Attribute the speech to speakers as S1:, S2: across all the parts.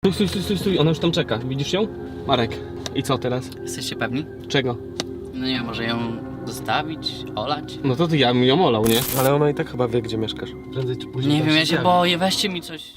S1: Stój, ona już tam czeka. Widzisz ją? Marek. I co teraz?
S2: Jesteście pewni?
S1: Czego?
S2: No nie wiem, może ją zostawić, olać?
S1: No to ty, ja bym ją olał, nie?
S3: Ale ona i tak chyba wie, gdzie mieszkasz. Prędzej czy później
S2: Nie
S3: tam
S2: wiem, ja się
S3: zjawi.
S2: boję, weźcie mi coś.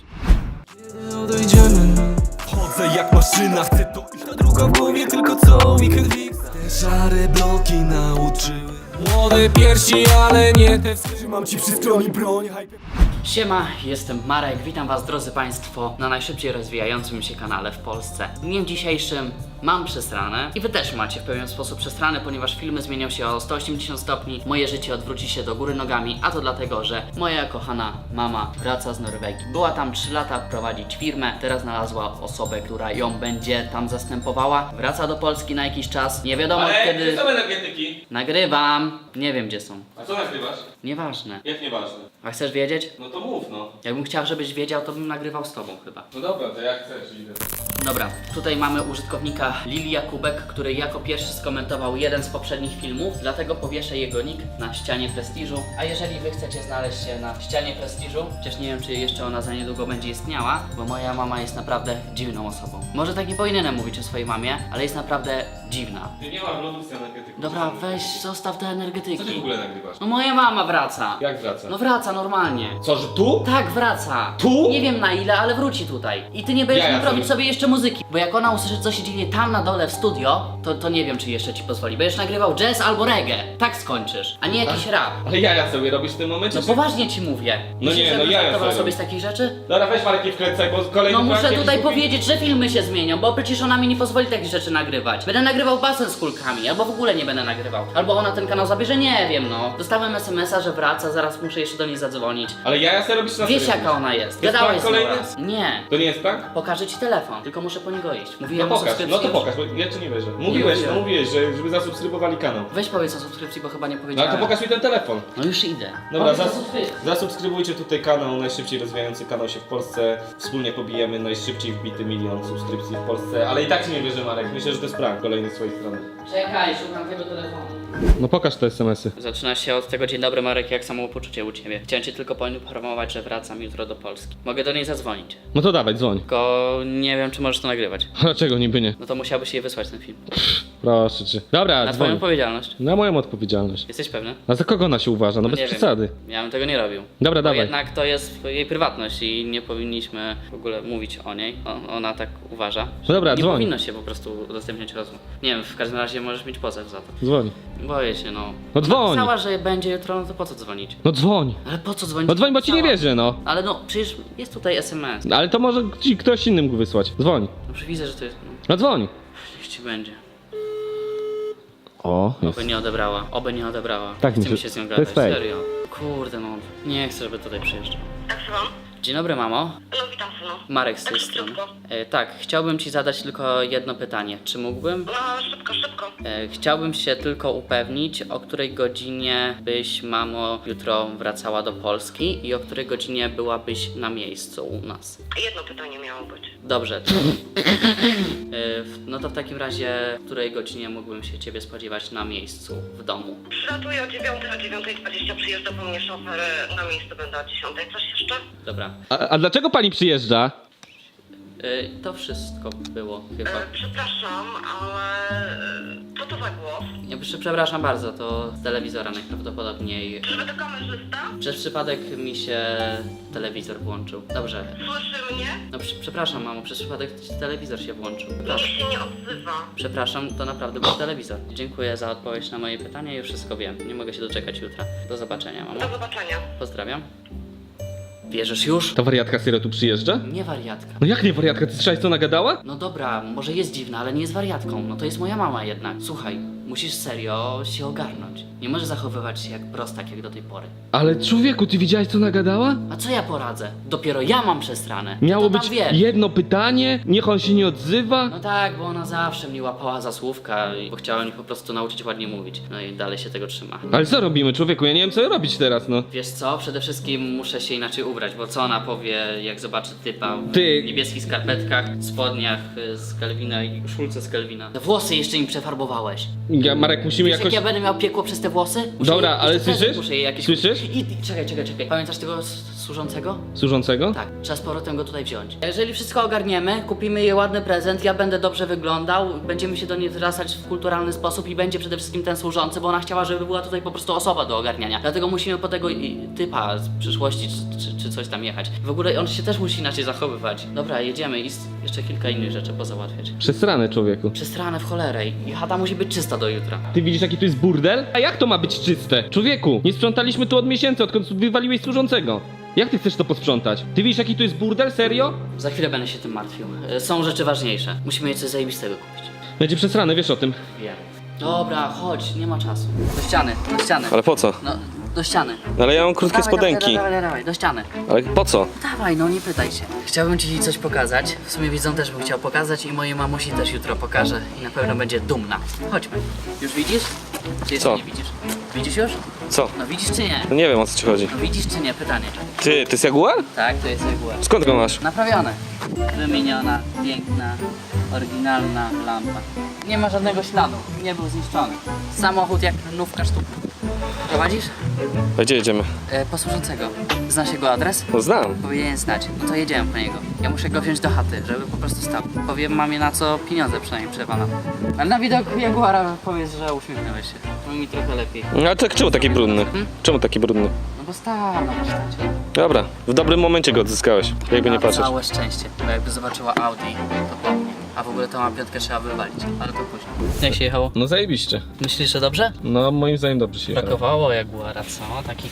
S4: Chodzę jak maszyna, chcę to iść. Ta druga w głowie, tylko co weekend fix. Te szare bloki nauczyły młode piersi, ale nie te. Trzymam ci przy stronie broń.
S2: Siema, jestem Marek, witam was drodzy państwo na najszybciej rozwijającym się kanale w Polsce. W dniem dzisiejszym mam przesrane i wy też macie w pewien sposób przesrane, ponieważ filmy zmienią się o 180 stopni, moje życie odwróci się do góry nogami, a to dlatego, że moja kochana mama wraca z Norwegii. Była tam 3 lata prowadzić firmę, teraz znalazła osobę, która ją będzie tam zastępowała. Wraca do Polski na jakiś czas, nie wiadomo kiedy...
S1: są energetyki.
S2: Nagrywam, nie wiem gdzie są.
S1: A co nagrywasz?
S2: Nieważne.
S1: Jak nieważne.
S2: A chcesz wiedzieć?
S1: No to mów, no.
S2: Jakbym chciał, żebyś wiedział, to bym nagrywał z tobą chyba.
S1: No dobra, to jak chcesz, idę.
S2: Dobra, tutaj mamy użytkownika Lili Jakubek, który jako pierwszy skomentował jeden z poprzednich filmów, dlatego powieszę jego nick na ścianie prestiżu. A jeżeli wy chcecie znaleźć się na ścianie prestiżu, chociaż nie wiem, czy jeszcze ona za niedługo będzie istniała, bo moja mama jest naprawdę dziwną osobą. Może tak nie powinienem mówić o swojej mamie, ale jest naprawdę dziwna.
S1: Ty nie masz lodów z energetyką.
S2: Dobra, weź, zostaw te
S1: Co ty w
S2: energetyki.
S1: ogóle nagrywasz?
S2: No moja mama wraca.
S1: Jak wraca?
S2: No wraca normalnie.
S1: Co, że tu?
S2: Tak, wraca.
S1: Tu?
S2: Nie wiem na ile, ale wróci tutaj. I ty nie będziesz
S1: Jaja
S2: mógł robić
S1: sobie.
S2: sobie jeszcze muzyki. Bo jak ona usłyszy, co się dzieje tam na dole w studio, to nie wiem, czy jeszcze ci pozwoli. Będziesz nagrywał jazz albo reggae. Tak skończysz, a nie jakiś rap.
S1: Ale jaja sobie robisz w tym momencie?
S2: No
S1: czy-
S2: poważnie ci mówię.
S1: No nie, no jaja
S2: żartował
S1: sobie
S2: sobie z takich rzeczy?
S1: Dobra, weź Marek i wkręcaj, bo kolejny
S2: No muszę
S1: prank
S2: tutaj
S1: jakiś kupi-
S2: powiedzieć, że filmy się zmienią, bo przecież ona mi nie pozwoli takich rzeczy nagrywać. Będę nagrywał basen z kulkami, albo w ogóle nie będę nagrywał. Albo ona ten kanał zabierze, nie wiem no. Dostałem SMS-a, że wraca, zaraz muszę jeszcze do niej zadzwonić.
S1: Ale jaja sobie robisz na
S2: Wiesz
S1: serio.
S2: jaka ona jest.
S1: To jest
S2: Gadałeś
S1: prank
S2: z nią
S1: kolejny?
S2: raz. Nie.
S1: To nie jest prank?
S2: Pokażę ci telefon, tylko muszę po niego iść.
S1: No
S2: Mówiłem o
S1: pokaż,
S2: subskrypcji.
S1: no to
S2: już.
S1: pokaż, bo ja ci nie wierzę. Mówiłeś,
S2: Nie
S1: no
S2: wiem.
S1: mówiłeś, żeby zasubskrybowali kanał.
S2: Weź powiedz o subskrypcji, bo chyba nie
S1: No
S2: powiedziałem.
S1: ale to pokaż mi ten telefon.
S2: No już idę.
S1: Dobra,
S2: Powiedz o subskrypcji.
S1: zasubskrybujcie tutaj kanał, najszybciej rozwijający kanał się w Polsce. Wspólnie pobijemy najszybciej wbity 1 000 000 subskrypcji w Polsce. Ale i tak ci nie wierzę, Marek. Myślę, że to jest prank kolejny z twojej strony.
S2: Czekaj, szukam tego telefonu.
S1: No pokaż te SMS-y.
S2: Zaczyna się od tego dzień dobry Marek, jak samopoczucie u ciebie. Chciałem cię tylko poinformować, że wracam jutro do Polski. Mogę do niej zadzwonić.
S1: No to dawaj, dzwoń.
S2: Tylko nie wiem, czy możesz to nagrywać.
S1: Dlaczego niby nie?
S2: No to musiałbyś jej wysłać ten film.
S1: Proszę cię. Dobra,
S2: Na twoją
S1: dzwoń.
S2: odpowiedzialność.
S1: Na moją odpowiedzialność.
S2: Jesteś pewny?
S1: A za kogo ona się uważa? No bez
S2: nie
S1: przesady.
S2: Wiem. Ja bym tego nie robił.
S1: Dobra,
S2: Bo
S1: dawaj.
S2: jednak to jest jej prywatność i nie powinniśmy w ogóle mówić o niej. Ona tak uważa.
S1: No dobra,
S2: Nie
S1: dzwoń.
S2: powinno się po prostu udostępniać rozmów. Nie wiem, w każdym razie możesz mieć pozew za to.
S1: Dzwoń.
S2: Boję się, no.
S1: No dzwoń.
S2: Napisała, że będzie jutro, no to po co dzwonić?
S1: No dzwoń.
S2: Ale po co dzwonić?
S1: No dzwoń, bo ci nie
S2: Napisała.
S1: wierzę, no.
S2: Ale no, przecież jest tutaj SMS.
S1: Ale to może ci ktoś inny mógł wysłać. Dzwoń.
S2: No przecież widzę, że to jest... No,
S1: No dzwoń.
S2: niech ci będzie.
S1: O,
S2: Oby nie odebrała. Oby nie odebrała.
S1: Tak,
S2: Chce
S1: myślę-
S2: mi się z nią
S1: to
S2: gadać,
S1: jest fake.
S2: serio. Kurde no, nie chcę, żeby tutaj przyjeżdżał.
S5: Tak, słucham?
S2: Dzień dobry, mamo.
S5: No witam, synu.
S2: Marek z tej
S5: Tak
S2: strony.
S5: szybko.
S2: Tak, chciałbym ci zadać tylko jedno pytanie. Czy mógłbym?
S5: No, szybko, szybko.
S2: Chciałbym się tylko upewnić, o której godzinie byś, mamo, jutro wracała do Polski i o której godzinie byłabyś na miejscu u nas.
S5: Jedno pytanie miało być.
S2: Dobrze. No to w takim razie, w której godzinie mógłbym się ciebie spodziewać na miejscu, w domu?
S5: Przylatuję o 9, o 9:20 przyjeżdża po mnie szofer, na miejscu będę o 10. Coś jeszcze?
S2: Dobra.
S1: A dlaczego pani przyjeżdża?
S2: To wszystko było chyba.
S5: Przepraszam, ale co to za głos?
S2: Przepraszam bardzo, to z telewizora najprawdopodobniej.
S5: Czyżby to kamerzysta?
S2: Przez przypadek mi się telewizor włączył. Dobrze.
S5: Słyszy mnie?
S2: No przepraszam, mamo, przez przypadek telewizor się włączył.
S5: Nikt
S2: Przepraszam.
S5: się nie odzywa.
S2: Przepraszam, to naprawdę był telewizor. Dziękuję za odpowiedź na moje pytanie, już wszystko wiem. Nie mogę się doczekać jutra. Do zobaczenia, mamo.
S5: Do zobaczenia.
S2: Pozdrawiam. Wierzysz już?
S1: Ta wariatka serio tu przyjeżdża?
S2: Nie wariatka.
S1: No jak nie wariatka? Ty słyszałeś co nagadała?
S2: No dobra, może jest dziwna, ale nie jest wariatką. No to jest moja mama jednak. Słuchaj, musisz serio się ogarnąć. Nie możesz zachowywać się jak prostak, jak do tej pory.
S1: Ale człowieku, ty widziałeś co nagadała?
S2: A co ja poradzę? Dopiero ja mam przesrane.
S1: Miało
S2: Ty to
S1: być
S2: tam wiesz.
S1: jedno pytanie, niech on się nie odzywa.
S2: No tak, bo ona zawsze mnie łapała za słówka i bo chciała mi po prostu nauczyć ładnie mówić. No i dalej się tego trzyma.
S1: Ale co robimy, człowieku? Ja nie wiem co robić teraz, no.
S2: Wiesz co, przede wszystkim muszę się inaczej ubrać, bo co ona powie, jak zobaczy typa w
S1: Ty-
S2: niebieskich skarpetkach, spodniach z Kelvina i szulce z Kelvina. Te włosy jeszcze im przefarbowałeś.
S1: Ja, Marek, musimy
S2: Wiesz,
S1: jakoś...
S2: jak ja będę miał piekło przez te włosy? Muszę
S1: Dobra,
S2: jej-
S1: ale
S2: jeszcze prezent
S1: słyszysz?
S2: Muszę jej jakiś...
S1: Słyszysz?
S2: I czekaj. Pamiętasz tego służącego?
S1: Służącego?
S2: Tak, trzeba z powrotem go tutaj wziąć. Jeżeli wszystko ogarniemy, kupimy jej ładny prezent, ja będę dobrze wyglądał, będziemy się do niej zwracać w kulturalny sposób i będzie przede wszystkim ten służący, bo ona chciała, żeby była tutaj po prostu osoba do ogarniania. Dlatego musimy po tego typa z przyszłości czy coś tam jechać. W ogóle on się też musi inaczej zachowywać. Dobra, jedziemy i jeszcze kilka innych rzeczy pozałatwiać.
S1: Przesrane, człowieku.
S2: Przestranę w cholerę i chata musi być czysta do jutra.
S1: Ty widzisz, jaki tu jest burdel? A jak to ma być czyste? Człowieku, nie sprzątaliśmy tu od miesięcy, odkąd wywaliłeś służącego. Jak ty chcesz to posprzątać? Ty widzisz, jaki tu jest burdel? Serio?
S2: Za chwilę będę się tym martwił. Są rzeczy ważniejsze. Musimy jej coś zajebistego kupić.
S1: Będzie przesrane, wiesz o tym.
S2: Wiem. Dobra, chodź, nie ma czasu. Do ściany, do ściany.
S6: Ale po co?
S2: No, do ściany.
S6: No ale ja mam krótkie spodenki.
S2: Dawaj, do ściany.
S6: Ale po co?
S2: Dawaj, no nie pytaj się. Chciałbym ci coś pokazać. W sumie widzą też bym chciał pokazać i mojej mamusi też jutro pokażę i na pewno będzie dumna. Chodźmy. Już widzisz? Czy jeszcze
S6: Co?
S2: nie widzisz? Widzisz już?
S6: Co?
S2: No widzisz czy nie?
S6: No nie wiem, o co ci chodzi.
S2: No widzisz czy nie? Pytanie.
S6: Ty, to jest Jaguar?
S2: Tak, to jest reguła.
S6: Skąd go masz?
S2: Naprawione. Wymieniona, piękna, oryginalna lampa. Nie ma żadnego śladu, nie był zniszczony. Samochód jak nówka sztuk. Prowadzisz?
S6: A gdzie jedziemy?
S2: Posłużącego. Znasz jego adres?
S6: No znam.
S2: Powinien znać. No to jedziemy po niego. Ja muszę go wziąć do chaty, żeby po prostu stał. Powiem mamie na co pieniądze przynajmniej przewalam. Ale na widok Jaguara powiedz, że uśmiechnąłeś się. To mi trochę lepiej.
S6: No ale tak czemu taki brudny? Czemu taki brudny?
S2: No bo stał na warsztacie.
S6: Dobra, w dobrym momencie go odzyskałeś. Jakby nie
S2: Ma
S6: patrzeć.
S2: całe szczęście, bo jakby zobaczyła Audi, to po mnie. A w ogóle to ma piątkę trzeba wywalić, ale to później. Jak się jechało?
S1: No zajebiście.
S2: Myślisz, że dobrze?
S1: No moim zdaniem dobrze się jechało.
S2: Brakowało Jaguara, co? Taki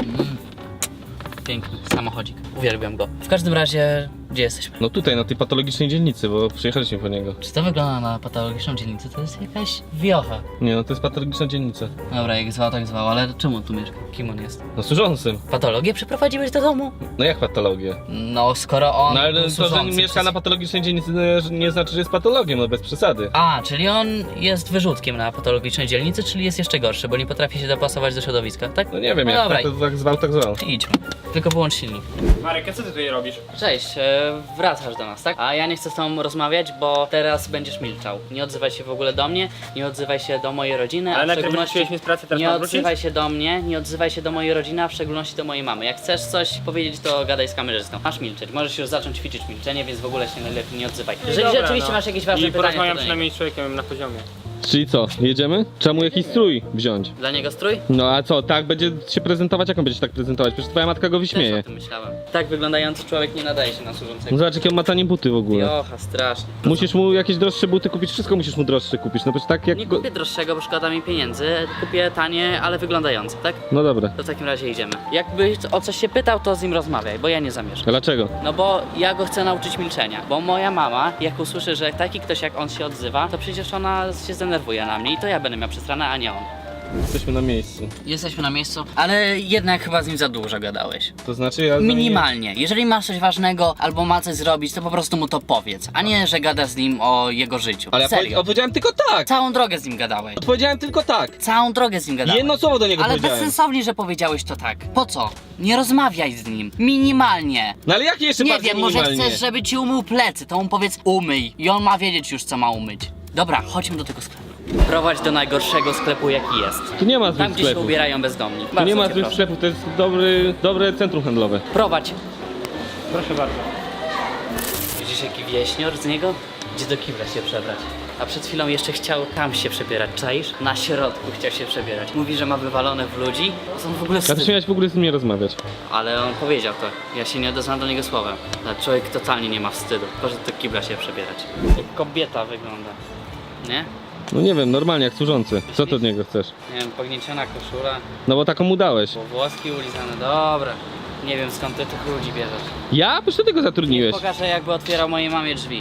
S2: piękny samochodzik. Uwielbiam go. W każdym razie, gdzie jesteśmy?
S1: No tutaj, na tej patologicznej dzielnicy, bo przyjechaliśmy po niego.
S2: Czy to wygląda na patologiczną dzielnicę? To jest jakaś wiocha.
S1: Nie, no to jest patologiczna dzielnica.
S2: Dobra, jak zwał, tak zwał, ale czemu on tu mieszka? Kim on jest?
S1: No służącym.
S2: Patologię przeprowadziłeś do domu?
S1: No jak patologię?
S2: No, skoro on
S1: No ale
S2: był
S1: to, że
S2: służący
S1: mieszka
S2: przez-
S1: na patologicznej dzielnicy nie znaczy, że jest patologiem, no bez przesady.
S2: A, czyli on jest wyrzutkiem na patologicznej dzielnicy, czyli jest jeszcze gorszy, bo nie potrafi się dopasować do środowiska, tak?
S1: No nie wiem,
S2: No
S1: jak
S2: dobra,
S1: to tak zwał, tak zwał.
S2: idźmy. Tylko wyłącz silnik.
S7: Marek, a co ty tutaj robisz?
S2: Cześć, wracasz do nas, tak? A ja nie chcę z tobą rozmawiać, bo teraz będziesz milczał. Nie odzywaj się w ogóle do mnie, nie odzywaj się do mojej rodziny,
S7: Ale
S2: a w
S7: najpierw
S2: szczególności
S7: wróciłeś mi z pracy, teraz
S2: nie
S7: mam wrócić?
S2: odzywaj się do mnie, nie odzywaj się do mojej rodziny, a w szczególności do mojej mamy. Jak chcesz coś powiedzieć, to gadaj z kamerzystą. Masz milczeć, możesz już zacząć ćwiczyć milczenie, więc w ogóle się najlepiej nie odzywaj. Jeżeli
S7: Dobra,
S2: rzeczywiście
S7: no.
S2: masz jakieś ważne
S7: I
S2: pytanie, to
S7: porozmawiam
S2: do niego.
S7: przynajmniej z człowiekiem na poziomie.
S1: Czyli co, jedziemy? Trzeba mu jakiś strój wziąć.
S2: Dla niego strój?
S1: No a co, tak będzie się prezentować? Jak on będzie się tak prezentować? Przecież twoja matka go
S2: Też
S1: wyśmieje.
S2: o tym myślałem. Tak wyglądający człowiek nie nadaje się na służącego.
S1: No zobacz, jakie on ma tanie buty w ogóle.
S2: Jocha, strasznie.
S1: Musisz mu jakieś droższe buty kupić, wszystko musisz mu droższe kupić, no przecież tak jak
S2: Nie
S1: go...
S2: kupię droższego, bo szkoda mi pieniędzy. Kupię tanie, ale wyglądające, tak?
S1: No dobra.
S2: To w takim razie idziemy. Jakby o coś się pytał, to z nim rozmawiaj, bo ja nie zamierzam.
S1: A dlaczego?
S2: No bo ja go chcę nauczyć milczenia. Bo moja mama, jak usłyszy, że taki ktoś jak on się odzywa, to przecież ona się zdenerwuje na mnie i to ja będę miał przestranę, a nie on.
S1: Jesteśmy na miejscu.
S2: Jesteśmy na miejscu, ale jednak chyba z nim za dużo gadałeś.
S1: To znaczy ja...
S2: Minimalnie. Jeżeli masz coś ważnego albo ma coś zrobić, to po prostu mu to powiedz, a nie, że gadasz z nim o jego życiu.
S1: Ale ja
S2: Serio.
S1: odpowiedziałem tylko tak!
S2: Całą drogę z nim gadałeś.
S1: Odpowiedziałem tylko tak!
S2: Całą drogę z nim gadałeś.
S1: Jedno słowo do niego
S2: Ale
S1: powiedziałem.
S2: bezsensownie, że powiedziałeś to tak. Po co? Nie rozmawiaj z nim. Minimalnie.
S1: No ale jak jeszcze
S2: Nie
S1: bardziej
S2: wiem, może
S1: minimalnie?
S2: chcesz, żeby ci umył plecy, to mu powiedz umyj. I on ma wiedzieć już, co ma umyć. Dobra, chodźmy do tego sklepu. Prowadź do najgorszego sklepu, jaki jest.
S1: Tu nie ma
S2: Tam,
S1: złych
S2: gdzie się
S1: sklepów.
S2: ubierają bezdomni.
S1: Tu
S2: Bardzo
S1: nie ma
S2: cię
S1: złych
S2: proszę.
S1: sklepów, to jest dobre centrum handlowe.
S2: Prowadź.
S7: Proszę bardzo.
S2: Widzisz, jaki wieśnior z niego? Gdzie do kibla się przebrać. A przed chwilą jeszcze chciał tam się przebierać, czaisz? Na środku chciał się przebierać. Mówi, że ma wywalone w ludzi. To on w ogóle
S1: A ty
S2: wstyd.
S1: miałeś w ogóle z nim nie rozmawiać.
S2: Ale on powiedział to. Ja się nie odezwałem do niego słowem. Ale człowiek totalnie nie ma wstydu. Poszedł do kibla się przebierać. Jak kobieta wygląda. Nie?
S1: No nie wiem, normalnie jak służący. Co ty od niego chcesz?
S2: Nie wiem, pognieciona koszula,
S1: No bo taką mu dałeś.
S2: bo włoski ulizane. Dobra. Nie wiem, skąd ty tych ludzi bierzesz.
S1: Ja? Przecież ty go zatrudniłeś.
S2: Pokażę, jakby otwierał mojej mamie drzwi.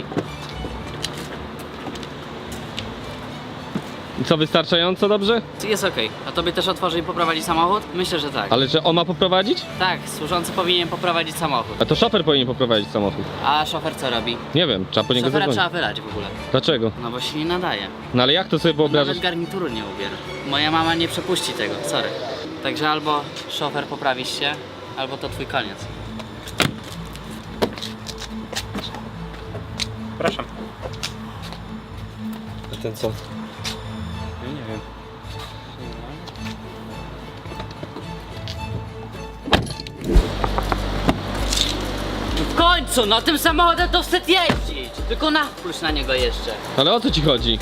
S1: I co, wystarczająco dobrze?
S2: Jest okej. A tobie też otworzy i poprowadzi samochód? Myślę, że tak.
S1: Ale że on ma poprowadzić?
S2: Tak, służący powinien poprowadzić samochód.
S1: A to szofer powinien poprowadzić samochód.
S2: A szofer co robi?
S1: Nie wiem, trzeba po niego
S2: Szofera
S1: zadzwonić.
S2: trzeba wylać w ogóle.
S1: Dlaczego?
S2: No bo się nie nadaje.
S1: No ale jak to sobie wyobrażasz?
S2: Nawet garnituru nie ubiera. Moja mama nie przepuści tego, sorry. Także albo szofer poprawisz się, albo to twój koniec.
S7: Proszę.
S1: A ten co?
S7: Ja nie wiem.
S2: końcu, no tym samochodem to wstyd jeździć. Tylko nawróć na niego jeszcze.
S6: Ale o co ci chodzi?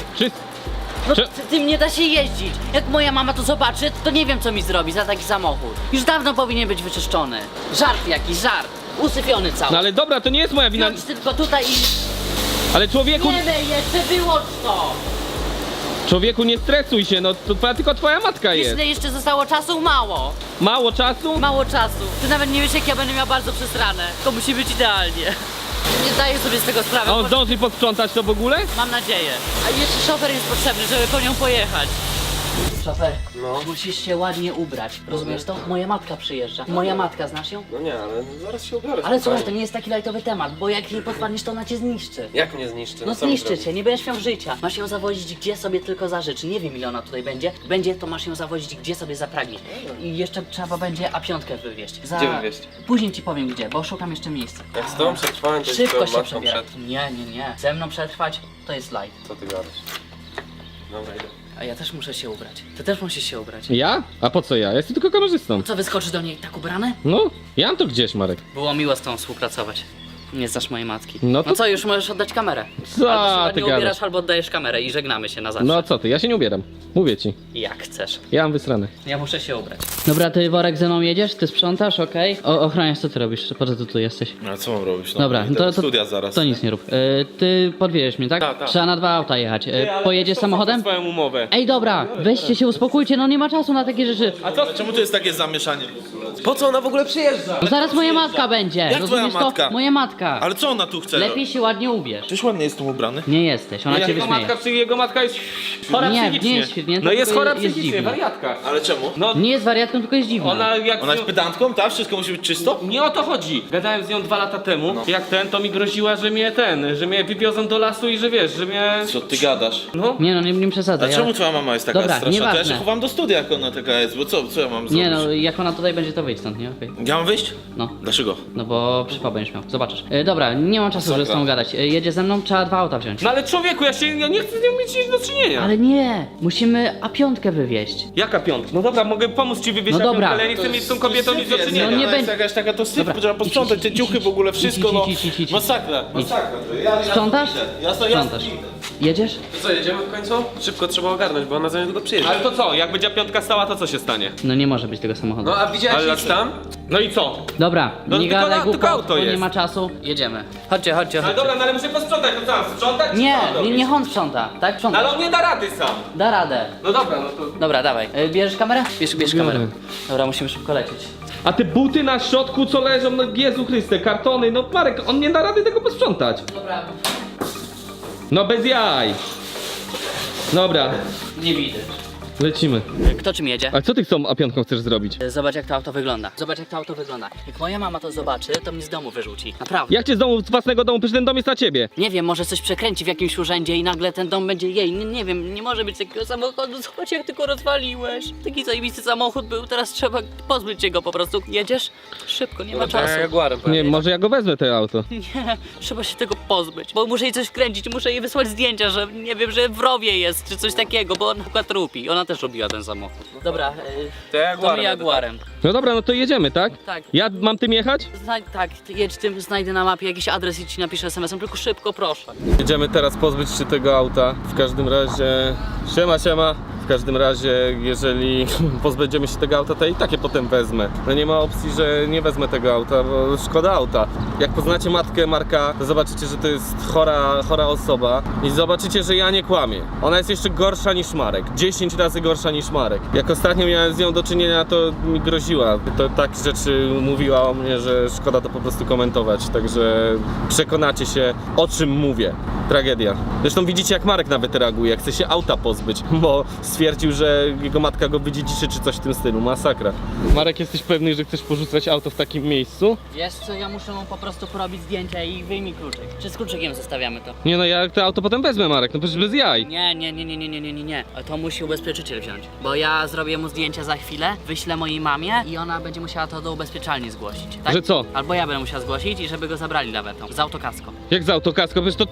S2: No
S6: Czy-
S2: tym nie da się jeździć. Jak moja mama to zobaczy, to nie wiem co mi zrobi za taki samochód. Już dawno powinien być wyczyszczony. Żart jakiś, żart. Usypiony cały.
S6: No ale dobra, to nie jest moja wina.
S2: Piąć tylko tutaj i...
S6: Ale człowieku,
S2: Nie myj jeszcze, wyłącz to!
S6: człowieku nie stresuj się, no to tylko twoja matka
S2: Wiesz,
S6: jest.
S2: ile jeszcze zostało czasu? Mało.
S6: Mało czasu?
S2: Mało czasu. Ty nawet nie wiesz, jak ja będę miał bardzo przesrane. To musi być idealnie. Nie zdaję sobie z tego sprawy.
S6: A on
S2: bo-
S6: zdąży posprzątać to w ogóle?
S2: Mam nadzieję. A jeszcze szofer jest potrzebny, żeby po nią pojechać. Szofer, musisz się ładnie ubrać. Rozumiesz to? Moja matka przyjeżdża. Moja matka, znasz ją?
S3: No nie, ale zaraz się ubiorę.
S2: Ale słuchaj, to nie jest taki lajtowy temat, bo jak jej podpadniesz, to ona cię zniszczy.
S3: Jak mnie zniszczy?
S2: No
S3: co mi
S2: zniszczy
S3: zrobi?
S2: cię, nie będziesz miał życia. Masz ją zawozić gdzie sobie tylko zażyczy. Nie wiem ile ona tutaj będzie. Będzie, to masz ją zawozić gdzie sobie zapragniesz. I jeszcze trzeba będzie A5 wywieźć.
S3: Gdzie wywieźć?
S2: Później ci powiem gdzie, bo szukam jeszcze miejsca.
S3: Jak z tobą przetrwałem, to
S2: Szybko
S3: jest
S2: się
S3: matką
S2: przebiera.
S3: przed...
S2: Nie. Ze mną przetrwać to jest light.
S3: Co ty gadasz? Dobra, idę.
S2: A ja też muszę się ubrać. Ty też musisz się ubrać.
S6: Ja? A po co ja? Ja jestem tylko kamerzystą.
S2: Co, wyskoczysz do niej tak ubrany?
S6: No, ja mam to gdzieś, Marek.
S2: Było miło z tą współpracować. Nie znasz mojej matki.
S6: No to-
S2: No co, już możesz oddać kamerę.
S6: Co
S2: Albo się
S6: ty
S2: ładnie
S6: gadasz?
S2: ubierasz, albo oddajesz kamerę i żegnamy się na zawsze.
S6: No co ty, ja się nie ubieram. Mówię ci.
S2: Jak chcesz.
S6: Ja mam wysrane.
S2: Ja muszę się ubrać. Dobra, ty worek ze mną jedziesz, ty sprzątasz, okej? Ochroniarz, co ty robisz? Po co ty tu jesteś?
S8: A co mam robić? No,
S2: Dobra,
S8: idę
S2: to
S8: do studia zaraz.
S2: To nic nie rób. Ty podwieziesz mnie, tak?
S7: Tak.
S2: Trzeba na 2 auta jechać. Pojedziesz samochodem?
S6: Swoją umowę.
S2: Ej, dobra, weźcie się, uspokójcie, no nie ma czasu na takie rzeczy.
S8: A co? Czemu tu jest takie zamieszanie?
S3: Po co ona w ogóle przyjeżdża?
S2: No zaraz moja matka będzie.
S8: Jak
S2: Rozumiesz
S8: twoja matka?
S2: to? Moja matka.
S8: Ale co ona tu chce?
S2: Lepiej się ładnie ubierz.
S8: Przecież ładnie jestem ubrany.
S2: Nie jesteś, ona cię wyśmieje.
S6: Jego matka jest chora
S2: Nie,
S6: psychicznie.
S2: nie jest świetnie,
S6: No jest
S2: tylko
S6: chora
S2: jest
S6: psychicznie,
S2: dziwna.
S6: wariatka.
S8: Ale czemu?
S6: No,
S2: Nie jest wariatką, tylko jest dziwna.
S6: ona jak...
S8: Ona jest pedantką, tak? Wszystko musi być czysto?
S6: Nie o to chodzi. Gadałem z nią 2 lata temu. Jak to mi groziła, że mnie wywiozą do lasu i że wiesz, że mnie...
S8: Co ty gadasz?
S6: No.
S2: Nie no, nie przesadzaj.
S8: A czemu twoja mama jest taka
S2: Dobra,
S8: straszna? To ja
S2: nieważne.
S8: się chowam do studia, jak ona taka jest, bo co ja mam zrobić?
S2: Nie no, jak ona tutaj będzie, to wyjdź stąd, nie? Okej.
S8: Ja mam wyjść?
S2: No.
S8: Dlaczego?
S2: No bo przypał będziesz miał, zobaczysz. Dobra, nie mam czasu, żeby z
S8: Masakra.
S2: tą gadać. Jedzie ze mną, trzeba 2 auta wziąć.
S6: No ale człowieku, ja nie chcę z nią mieć nic do czynienia.
S2: Ale nie, musimy A5 wywieźć.
S6: Jaka piątka? No dobra, mogę pomóc ci wywieźć
S2: No
S6: na
S2: dobra.
S6: piątkę, ale ja nie chcę mieć z tą kobietą nic do
S8: Syf jest,
S6: czynienia.
S2: No nie
S8: ona jest
S2: będzie-
S8: jakaś taka, to syf,
S2: Dobra,
S8: trzeba posprzątać te
S2: idź,
S8: ciuchy w ogóle, wszystko, no.
S2: idź.
S8: Masakra. Ja
S2: Sprzątasz? Sprzątasz. Jedziesz?
S3: To co, jedziemy w końcu? Szybko trzeba ogarnąć, bo ona za niedługo przyjedzie.
S6: Ale to co, jak będzie piątka stała, to co się stanie?
S2: No nie może być tego samochodu.
S3: No a widziałeś
S6: Ale
S3: nic tam?
S6: No i co?
S2: Dobra,
S6: No
S2: nie
S6: tylko
S2: gadaj
S6: tylko
S2: głupot,
S6: auto
S2: bo nie
S6: jest.
S2: ma czasu. Jedziemy. Chodźcie.
S6: Ale dobra, no ale muszę posprzątać, to co mam sprzątać? czy
S2: Nie,
S6: co mam robić?
S2: niech on sprząta, tak?
S6: No
S2: Sprząta.
S6: ale on nie da rady sam.
S2: Da radę.
S6: No dobra, no to...
S2: Dobra, dawaj. Bierzesz kamerę? Bierz
S6: Biorę.
S2: kamerę. Dobra, musimy szybko lecieć.
S6: A te buty na środku, co leżą, no Jezu Chryste, kartony, no Marek, on nie da rady tego posprzątać.
S2: Dobra,
S6: No bez jaj. Dobra,
S2: nie widzę.
S6: lecimy.
S2: Kto czym jedzie?
S6: A co ty z tą A5 chcesz zrobić?
S2: Zobacz jak to auto wygląda. Jak moja mama to zobaczy, to mnie z domu wyrzuci. Naprawdę.
S6: Jak cię z domu, z własnego domu, przecież ten dom jest na ciebie.
S2: Nie wiem, może coś przekręci w jakimś urzędzie i nagle ten dom będzie jej. Nie wiem, nie może być takiego samochodu. Zobacz jak ty go rozwaliłeś. Taki zajebisty samochód był, teraz trzeba pozbyć się go po prostu. Jedziesz? Szybko, nie ma czasu.
S3: Jaguarem
S6: Nie, może ja go wezmę, to auto.
S2: Nie, trzeba się tego pozbyć, bo muszę jej coś wkręcić, muszę jej wysłać zdjęcia, że nie wiem, że w rowie jest, czy coś takiego, bo ona na przykład lubi. Ona też robiła ten samochód. Dobra,
S3: To Jaguarem
S2: to my Jaguarem.
S6: No dobra, no to jedziemy, tak?
S2: Tak.
S6: Ja mam tym jechać?
S2: Tak, ty jedź tym, znajdę na mapie jakiś adres i ci napiszę SMS-em, tylko szybko, proszę.
S6: Jedziemy teraz pozbyć się tego auta. W każdym razie... Siema. W każdym razie, jeżeli pozbędziemy się tego auta, to i tak je potem wezmę. No nie ma opcji, że nie wezmę tego auta, bo szkoda auta. Jak poznacie matkę Marka, to zobaczycie, że to jest chora osoba i zobaczycie, że ja nie kłamię. Ona jest jeszcze gorsza niż Marek. 10 razy gorsza niż Marek. Jak ostatnio miałem z nią do czynienia, to mi groziła. To tak rzeczy mówiła o mnie, że szkoda to po prostu komentować. Także przekonacie się, o czym mówię. Tragedia. Zresztą widzicie, jak Marek nawet reaguje, chce się auta pozbyć, bo stwierdził, że jego matka go wydziedziczy czy coś w tym stylu. Masakra. Marek, jesteś pewny, że chcesz porzucać auto w takim miejscu?
S2: Wiesz co, ja muszę mu po prostu porobić zdjęcia i wyjmij kluczyk. Czy z kluczykiem zostawiamy to?
S6: Nie no, ja to auto potem wezmę, Marek, no przecież bez jaj.
S2: Nie. To musi ubezpieczyciel wziąć. Bo ja zrobię mu zdjęcia za chwilę, wyślę mojej mamie i ona będzie musiała to do ubezpieczalni zgłosić. Tak?
S6: Że co?
S2: Albo ja będę musiał zgłosić i żeby go zabrali lawetą. Z autokasko.
S6: Jak z autokasko? Przecież to ty, ja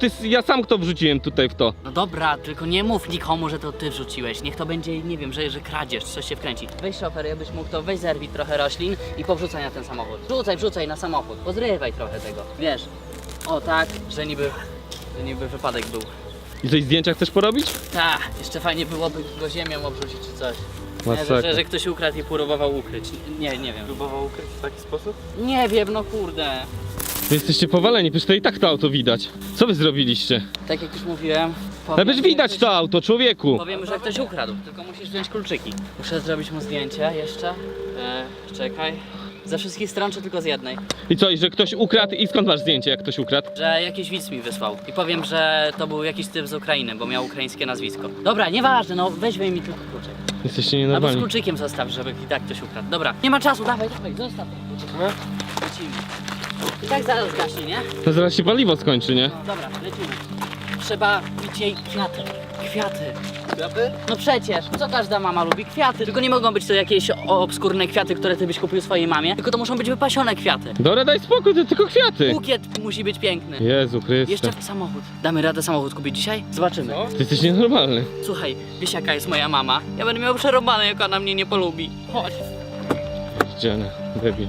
S6: sam to wrzuciłem tutaj w to.
S2: No dobra, tylko nie mów nikomu, że to ty wrzuciłeś. Niech to będzie, nie wiem, że kradzież, coś się wkręci. Weź szofer, jakbyś mógł to weź zerwij trochę roślin i powrzucaj na ten samochód. Wrzucaj na samochód, pozrywaj trochę tego. Wiesz, o tak, że niby wypadek był.
S6: I coś zdjęcia chcesz porobić?
S2: Tak, jeszcze fajnie byłoby go ziemią obrzucić czy coś. Nie,
S6: Masakra.
S2: że ktoś ukradł i próbował ukryć. Nie wiem.
S3: Próbował ukryć w taki sposób?
S2: Nie wiem, no kurde.
S6: Wy jesteście powaleni, przecież to i tak to auto widać. Co wy zrobiliście?
S2: Tak jak już mówiłem.
S6: Ale przecież widać to auto, człowieku!
S2: Powiemy, że ktoś ukradł, tylko musisz wziąć kluczyki. Muszę zrobić mu zdjęcie jeszcze. Czekaj. Ze wszystkich stron, czy tylko z jednej?
S6: I co, i że ktoś ukradł i skąd masz zdjęcie, jak ktoś ukradł?
S2: Że jakiś widz mi wysłał. I powiem, że to był jakiś typ z Ukrainy, bo miał ukraińskie nazwisko. Dobra, nieważne, no weź mi tylko kluczyk.
S6: Jesteście
S2: Albo z
S6: nienormalni.
S2: kluczykiem zostaw, żeby i tak ktoś ukradł. Dobra, nie ma czasu, dawaj, zostaw ten kluczyk.
S3: No.
S2: Lecimy. I tak zaraz gaśnie, nie?
S6: No zaraz się paliwo skończy, nie?
S2: No dobra, lecimy. Trzeba kupić jej kwiaty. Kwiaty.
S3: Kwiaty?
S2: No przecież, co każda mama lubi? Kwiaty. Tylko nie mogą być to jakieś obskurne kwiaty, które ty byś kupił swojej mamie, tylko to muszą być wypasione kwiaty.
S6: Dobra, daj spokój, to tylko kwiaty.
S2: Bukiet musi być piękny.
S6: Jezu Chryste.
S2: Jeszcze samochód. Damy radę samochód kupić dzisiaj? Zobaczymy.
S6: Ty jesteś nienormalny.
S2: Słuchaj, wiesz jaka jest moja mama? Ja będę miał przerąbane, jak ona mnie nie polubi. Chodź.
S6: Dzielny, debil.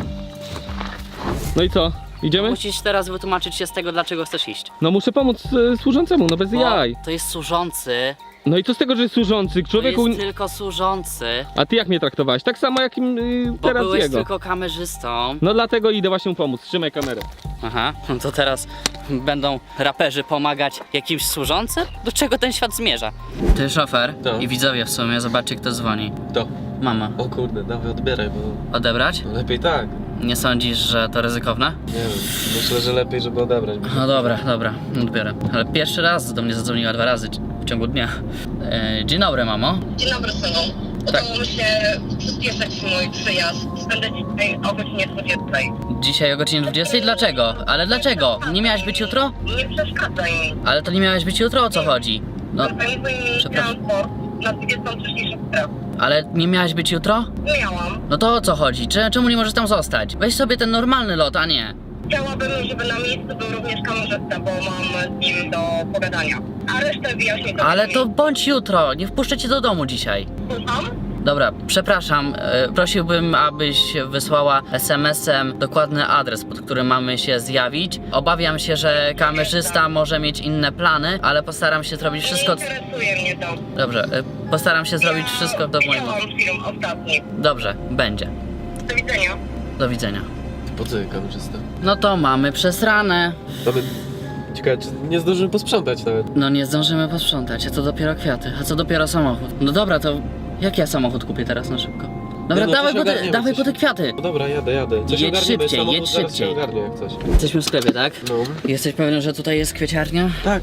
S6: No i co? Idziemy?
S2: Musisz teraz wytłumaczyć się z tego, dlaczego chcesz iść.
S6: No muszę pomóc służącemu, no bez
S2: Bo
S6: jaj.
S2: to jest służący.
S6: No i co z tego, że jest służący?
S2: To
S6: Człowieku...
S2: jest tylko służący.
S6: A ty jak mnie traktowałeś? Tak samo jak
S2: Bo
S6: teraz
S2: byłeś
S6: jego.
S2: tylko kamerzystą.
S6: No dlatego idę właśnie mu pomóc. Trzymaj kamerę.
S2: Aha, no to teraz będą raperzy pomagać jakimś służącym? Do czego ten świat zmierza? Ty szofer
S3: No.
S2: i widzowie w sumie, zobaczcie kto dzwoni.
S3: To.
S2: Mama.
S3: O kurde, dawaj odbieraj, bo
S2: Odebrać?
S3: lepiej tak.
S2: Nie sądzisz, że to ryzykowne?
S3: Nie wiem, myślę, że lepiej, żeby odebrać.
S2: No dobra, odbiorę. Ale pierwszy raz do mnie zadzwoniła 2 razy w ciągu dnia. Dzień dobry, mamo.
S5: Dzień dobry, synu. Udało mi się przyspieszyć mój przyjazd. Będę dzisiaj o godzinie 20.
S2: Dzisiaj o godzinie 20? Dlaczego? Ale dlaczego? Nie miałaś być jutro?
S5: Nie przeszkadzaj mi.
S2: Ale to nie miałaś być jutro, o co chodzi? No,
S5: Zorganizuj mi
S2: przepraszam.
S5: transport na 23 sprawę.
S2: ale nie miałaś być jutro?
S5: Miałam.
S2: No to o co chodzi? Czemu nie możesz tam zostać? Weź sobie ten normalny lot, a nie.
S5: Chciałabym, żeby na miejscu był również kamerzysta, bo mam z nim do pogadania. A resztę wyjaśnię to
S2: Ale
S5: później.
S2: to bądź jutro, nie wpuszczę cię do domu dzisiaj.
S5: Słucham?
S2: Dobra, przepraszam, prosiłbym, abyś wysłała SMS-em dokładny adres, pod którym mamy się zjawić. Obawiam się, że kamerzysta może mieć inne plany, ale postaram się zrobić wszystko...
S5: Nie interesuje mnie to.
S2: Dobrze, postaram się zrobić wszystko do mojego...
S5: Widziałam film ostatni.
S2: Dobrze, będzie.
S5: Do widzenia.
S2: Do widzenia.
S3: Po co kamerzysta?
S2: No to mamy przesrane.
S3: Nawet... Ciekawe, czy nie zdążymy posprzątać nawet.
S2: No nie zdążymy posprzątać, a to dopiero kwiaty, a co dopiero samochód. No dobra, to jak ja samochód kupię teraz na szybko? Dobra,
S3: Nie, no, coś
S2: dawaj
S3: ogarniemy,
S2: po te
S3: coś.
S2: kwiaty.
S3: No dobra, jadę. Coś
S2: Jedź
S3: ogarniemy,
S2: szybciej,
S3: samochód
S2: jedź
S3: zaraz
S2: szybciej.
S3: się ogarnie jak coś.
S2: Jesteśmy w sklepie, tak?
S3: No.
S2: Jesteś pewien, że tutaj jest kwieciarnia?
S3: Tak.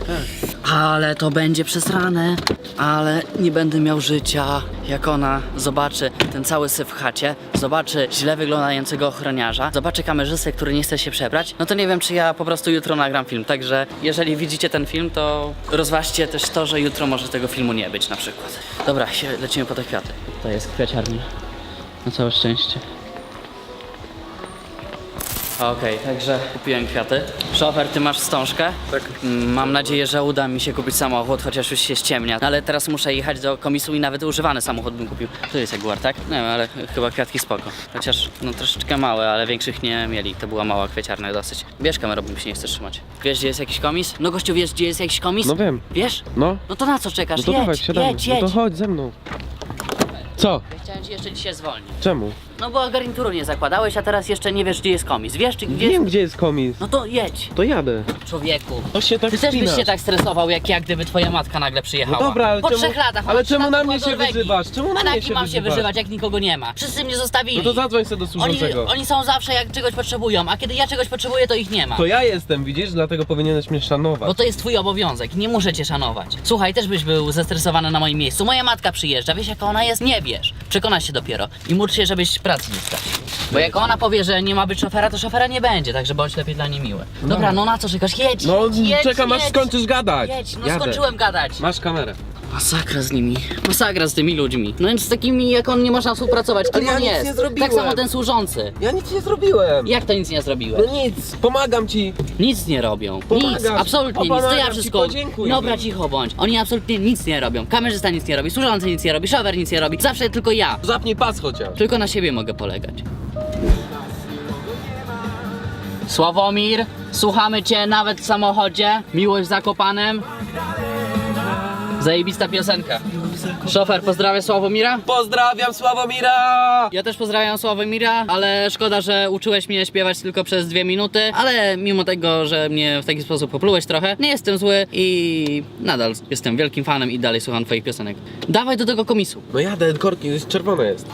S2: Ale to będzie przesrane. Ale nie będę miał życia. Jak ona zobaczy ten cały syf w chacie, zobaczy źle wyglądającego ochroniarza, zobaczy kamerzystę, który nie chce się przebrać, no to nie wiem, czy ja po prostu jutro nagram film. Także jeżeli widzicie ten film, to rozważcie też to, że jutro może tego filmu nie być na przykład. Dobra, lecimy po te kwiaty. To jest kwiaciarnia. Na całe szczęście. Okej, także kupiłem kwiaty. Szofer, ty masz wstążkę?
S3: Tak.
S2: Mam nadzieję, że uda mi się kupić samochód, chociaż już się ściemnia. Ale teraz muszę jechać do komisu i nawet używany samochód bym kupił. Tu jest Jaguar, tak? Nie wiem, ale chyba kwiatki spoko. Chociaż no troszeczkę małe, ale większych nie mieli. To była mała kwieciarnia dosyć. Bierz kamerę, bo mi się nie chce trzymać. Wiesz, gdzie jest jakiś komis? No gościu, wiesz, gdzie jest jakiś komis?
S3: No wiem.
S2: Wiesz?
S3: No.
S2: No to na co czekasz?
S3: No to dawaj, wsiadamy.
S2: jedź.
S3: No to chodź ze mną. Co?
S2: Ja chciałem ci jeszcze dzisiaj zwolnić.
S3: Czemu?
S2: No bo garnituru nie zakładałeś, a teraz jeszcze nie wiesz, gdzie jest komis. Wiesz, czy gdzie
S3: Wiem,
S2: jest...
S3: gdzie jest komis.
S2: No to jedź,
S3: To jadę.
S2: człowieku.
S3: To się tak
S2: Ty też byś
S3: spinasz.
S2: się tak stresował, jak ja, gdyby twoja matka nagle przyjechała.
S3: No dobra, ale
S2: po
S3: czemu-
S2: 3 latach.
S3: ale
S2: ona
S3: czemu na mnie
S2: przyjechała do
S3: się
S2: Norwegii.
S3: wyzywasz? Czemu na
S2: A
S3: mnie
S2: jaki
S3: się
S2: mam się
S3: wyzywasz?
S2: wyzywać, jak nikogo nie ma? Wszyscy mnie zostawili.
S3: No to zadzwoń sobie do służącego.
S2: Oni są zawsze, jak czegoś potrzebują, a kiedy ja czegoś potrzebuję, to ich nie ma.
S3: To ja jestem, widzisz? Dlatego powinieneś mnie szanować.
S2: Bo to jest twój obowiązek, nie muszę cię szanować. Słuchaj, też byś był zestresowany na moim miejscu. Moja matka przyjeżdża, wiesz jaka ona jest? Nie wiesz. Przekonasz się dopiero i módl się, żebyś pracy nie stracił. Bo jak ona powie, że nie ma być szofera, to szofera nie będzie, także bądź lepiej dla niej miły. Dobra, no na co czekasz? Jedź,
S3: No
S2: jedź,
S3: czekam aż
S2: jedź.
S3: skończysz gadać.
S2: Jedź, no
S3: Jadę.
S2: skończyłem gadać.
S3: Masz kamerę.
S2: Masakra z nimi. Masakra z tymi ludźmi. No więc z takimi jak on nie można współpracować. Kim
S3: Ale ja
S2: on
S3: nic
S2: jest?
S3: nie zrobiłem.
S2: Tak samo ten służący.
S3: Ja nic nie zrobiłem.
S2: Jak to nic nie zrobiłeś?
S3: No nic, pomagam ci.
S2: Nic nie robią.
S3: Pomagam
S2: Nic,
S3: ci.
S2: absolutnie nic. To
S3: Pomagam
S2: ja
S3: ci,
S2: wszystko.
S3: podziękuj
S2: Dobra,
S3: mi.
S2: cicho bądź. Oni absolutnie nic nie robią. Kamerzysta nic nie robi, służący nic nie robi, szofer nic nie robi. Zawsze tylko ja.
S3: Zapnij pas chociaż.
S2: Tylko na siebie mogę polegać. Sławomir, słuchamy cię nawet w samochodzie. Miłość w Zakopanem. Zajebista piosenka. Szofer, pozdrawia Sławomira?
S3: Pozdrawiam Sławomira!
S2: Ja też pozdrawiam Sławomira, ale szkoda, że uczyłeś mnie śpiewać tylko przez 2 minuty, ale mimo tego, że mnie w taki sposób poplułeś trochę, nie jestem zły i nadal jestem wielkim fanem i dalej słucham twoich piosenek. Dawaj do tego komisu.
S3: No jadę, korki, jest czerwone jest.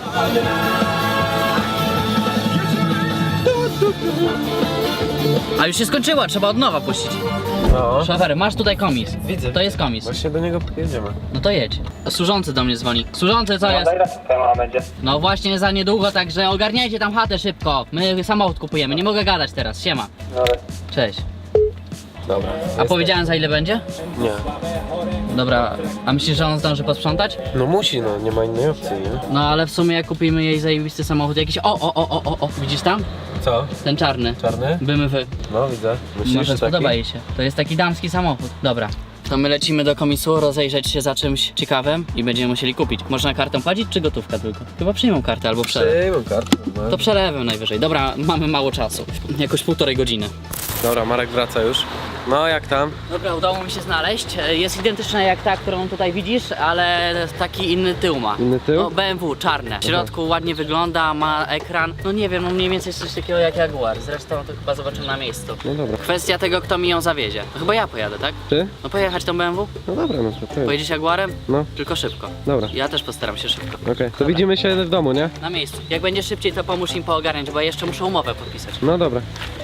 S2: A już się skończyła, trzeba od nowa puścić.
S3: No.
S2: Szofer, masz tutaj komis.
S3: Widzę.
S2: To jest komis.
S3: Właśnie do niego jedziemy.
S2: No to jedź. Służący do mnie dzwoni. Służący, co jest? No właśnie za niedługo, także ogarniajcie tam chatę szybko. My samochód kupujemy, nie mogę gadać teraz. Siema. Cześć.
S3: Dobra.
S2: A powiedziałem za ile będzie?
S3: Nie.
S2: Dobra, a myślisz, że on zdąży posprzątać?
S3: No musi, no, nie ma innej opcji, nie?
S2: No ale w sumie jak kupimy jej zajebisty samochód jakiś... O, widzisz tam?
S3: Co?
S2: Ten czarny.
S3: Czarny?
S2: BMW.
S3: No widzę. Myślisz,
S2: Może
S3: że taki?
S2: spodoba jej się. To jest taki damski samochód. Dobra. To my lecimy do komisu, rozejrzeć się za czymś ciekawym i będziemy musieli kupić. Można kartą płacić czy gotówka tylko? Chyba przyjmą kartę albo przelew.
S3: Przyjmę kartę. No.
S2: To przelewem najwyżej. Dobra, mamy mało czasu. Jakoś 1,5 godziny.
S3: Dobra, Marek wraca już. No jak tam?
S2: Dobra, udało mi się znaleźć. Jest identyczna jak ta, którą tutaj widzisz, ale taki inny tył ma.
S3: Inny tył?
S2: No BMW, czarne. W środku ładnie wygląda, ma ekran. No nie wiem, no mniej więcej jest coś takiego jak Jaguar. Zresztą to chyba zobaczymy na miejscu.
S3: No dobra.
S2: Kwestia tego, kto mi ją zawiezie. No chyba ja pojadę, tak?
S3: Ty?
S2: No pojechać tą BMW?
S3: No dobra, no to ty.
S2: Pojedziesz Jaguarem?
S3: No,
S2: Tylko szybko.
S3: dobra.
S2: Ja też postaram się szybko.
S3: Okej, to widzimy się w domu, nie?
S2: Na miejscu. Jak będzie szybciej, to pomóż im poogarniać, bo ja jeszcze muszę umowę podpisać.
S3: No dobra.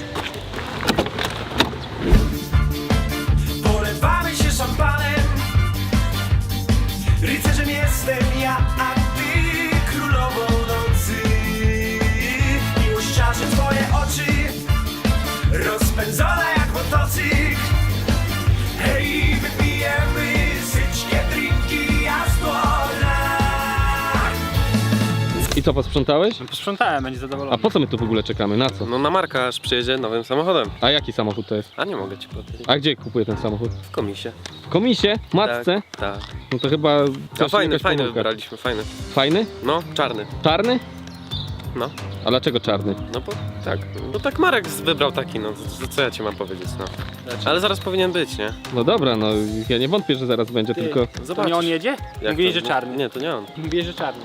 S4: Polewamy się szampanem. Rycerzem jestem ja, a ty królową nocy. Miłościarze twoje oczy rozpędzone jak motocykl. Hej, wypijemy syćkie drinki, jazdora.
S6: I co, posprzątałeś?
S7: Posprzątałem, będzie
S6: A
S7: zadowolony.
S6: po co my tu w ogóle czekamy? Na co?
S3: No na Marka aż przyjedzie nowym samochodem.
S6: A jaki samochód to jest?
S3: A nie mogę ci powiedzieć.
S6: A gdzie kupuję ten samochód?
S3: W komisie.
S6: W komisie? Matce?
S3: Tak.
S6: No to chyba
S3: A
S6: coś,
S3: fajny,
S6: jakaś
S3: fajny
S6: pomyłka.
S3: wybraliśmy, fajny.
S6: Fajny?
S3: No, czarny.
S6: Czarny?
S3: No,
S6: A dlaczego czarny?
S3: no bo tak. Bo tak Marek wybrał taki, no co ja ci mam powiedzieć, no. Ale zaraz powinien być, nie?
S6: No dobra, no ja nie wątpię, że zaraz będzie, tylko...
S7: To nie on jedzie?
S3: Jak
S7: Mówili,
S3: to?
S7: że czarny.
S3: Nie, to nie on.
S7: Mówili, że czarny.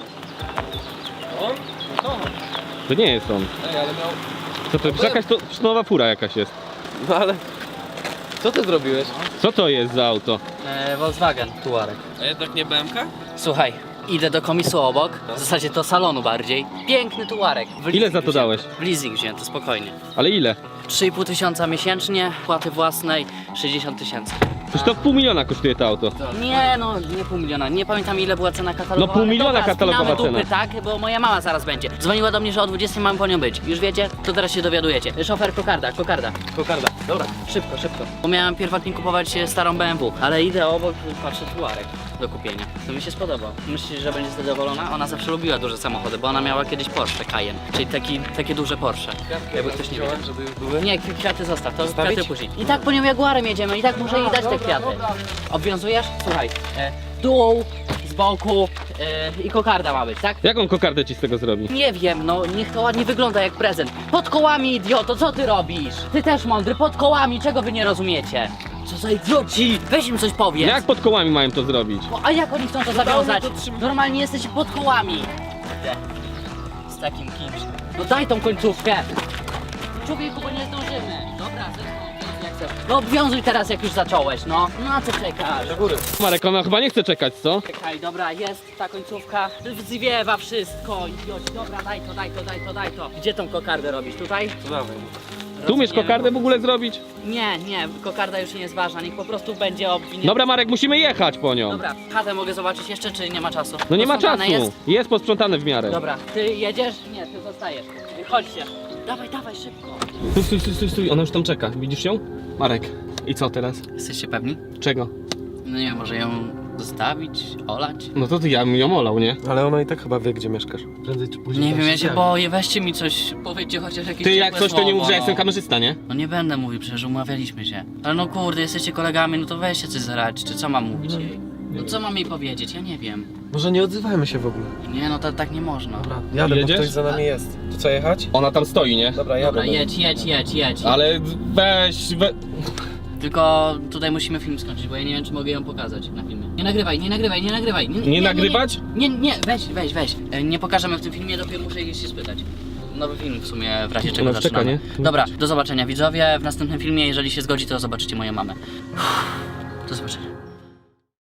S6: To nie jest on.
S3: Ej, ale miał...
S6: Co to jest? Jakaś to nowa fura jakaś jest.
S3: No ale... Co ty zrobiłeś?
S6: Co to jest za auto?
S2: Volkswagen, Tuareg.
S3: A jednak nie BMK?
S2: Słuchaj, idę do komisu obok, w zasadzie do salonu bardziej. Piękny Tuareg. W
S6: Ile
S2: leasing
S6: za to dałeś?
S2: W leasing wzięty, spokojnie.
S6: Ale ile?
S2: 3,5 tysiąca miesięcznie, płaty własnej 60 000.
S6: Przecież to 500 000 kosztuje to auto.
S2: Nie no, nie 500 000, nie pamiętam ile była cena katalogowa.
S6: No 500 000
S2: ale dobra,
S6: katalogowa
S2: spinamy dupy,
S6: cena.
S2: tak, bo moja mama zaraz będzie. Dzwoniła do mnie, że o 20 mam po nią być. Już wiecie? To teraz się dowiadujecie. Szofer, kokarda. Dobra, szybko. Bo miałem pierwotnie kupować starą BMW, ale idę obok, patrzę Tuareg do kupienia. To mi się spodobał. Myślisz, że będzie zadowolona? Ona zawsze lubiła duże samochody, bo ona miała kiedyś Porsche Cayenne, czyli takie duże Porsche. Jakby ktoś nie wiedział. Nie, kwiaty zostaw, to kwiaty później. I tak po nią Jaguarem jedziemy, i tak muszę jej dać te kwiaty. Obwiązujesz? Słuchaj, dół, z boku i kokarda ma być, tak?
S6: Jaką kokardę ci z tego zrobi?
S2: Nie wiem, no niech to ładnie wygląda jak prezent. Pod kołami, idioto, co ty robisz? Ty też mądry, pod kołami, czego wy nie rozumiecie? Co za idioci? Weź im coś powiedz.
S6: Jak pod kołami mają to zrobić?
S2: A jak oni chcą to zawiązać? Normalnie jesteś pod kołami. Z takim kimś. No daj tą końcówkę. Człowieku, bo nie zdążymy. Dobra, zresztą jak chcesz. No obwiązuj teraz, jak już zacząłeś, no. No a co czekasz?
S6: Marek, ona chyba nie chce czekać, co?
S2: Czekaj, dobra, jest ta końcówka. Zwiewa wszystko. Idioci, dobra, daj to. Gdzie tą kokardę robisz? Tutaj?
S3: To dawaj.
S6: Tu umiesz
S2: Rozumiem.
S6: kokardę w ogóle zrobić?
S2: Nie, kokarda już nie jest ważna, niech po prostu będzie obwinięta.
S6: Dobra Marek, musimy jechać po nią.
S2: Dobra, chatę mogę zobaczyć jeszcze, czy nie ma czasu?
S6: No nie ma
S2: Posprzątane
S6: czasu. Jest posprzątane w miarę.
S2: Dobra, ty jedziesz? Nie, ty zostajesz. Chodźcie. Dawaj, szybko.
S6: Stój, ona już tam czeka. Widzisz ją? Marek, i co teraz?
S2: Jesteście pewni?
S6: Czego?
S2: No nie wiem, może ją Zostawić? Olać?
S6: No to ja bym ją olał, nie?
S3: Ale ona i tak chyba wie, gdzie mieszkasz. Prędzej czy później
S2: Nie
S3: tam
S2: wiem, ja się
S3: zjawi.
S2: boję, weźcie mi coś, powiedzcie chociaż jakieś
S6: Ty jak
S2: ciepłe
S6: coś to nie mów, że ja
S2: słowo,
S6: jestem kamerzysta, nie?
S2: No nie będę mówił, przecież umawialiśmy się. Ale no kurde, jesteście kolegami, no to weźcie coś zaradź, czy co mam mówić jej? No co mam jej powiedzieć? Ja nie wiem.
S3: Może nie odzywajmy się w ogóle.
S2: Nie, no to tak nie można.
S3: Dobra, jadę,
S6: Jedziesz?
S3: bo ktoś za nami jest. To co, jechać?
S6: Ona tam stoi, nie?
S3: Dobra, jadę.
S2: Dobra, jedź.
S6: Ale weź,
S2: Tylko tutaj musimy film skończyć, bo ja nie wiem, czy mogę ją pokazać na filmie. Nie nagrywaj.
S6: Nie nagrywać?
S2: Nie, weź. Nie pokażemy w tym filmie, dopiero muszę jej się spytać. Nowy film w sumie, w razie czego
S6: Ona czeka,
S2: zaczynamy.
S6: nie?
S2: Dobra, do zobaczenia widzowie. W następnym filmie, jeżeli się zgodzi, to zobaczycie moją mamę. Do zobaczenia.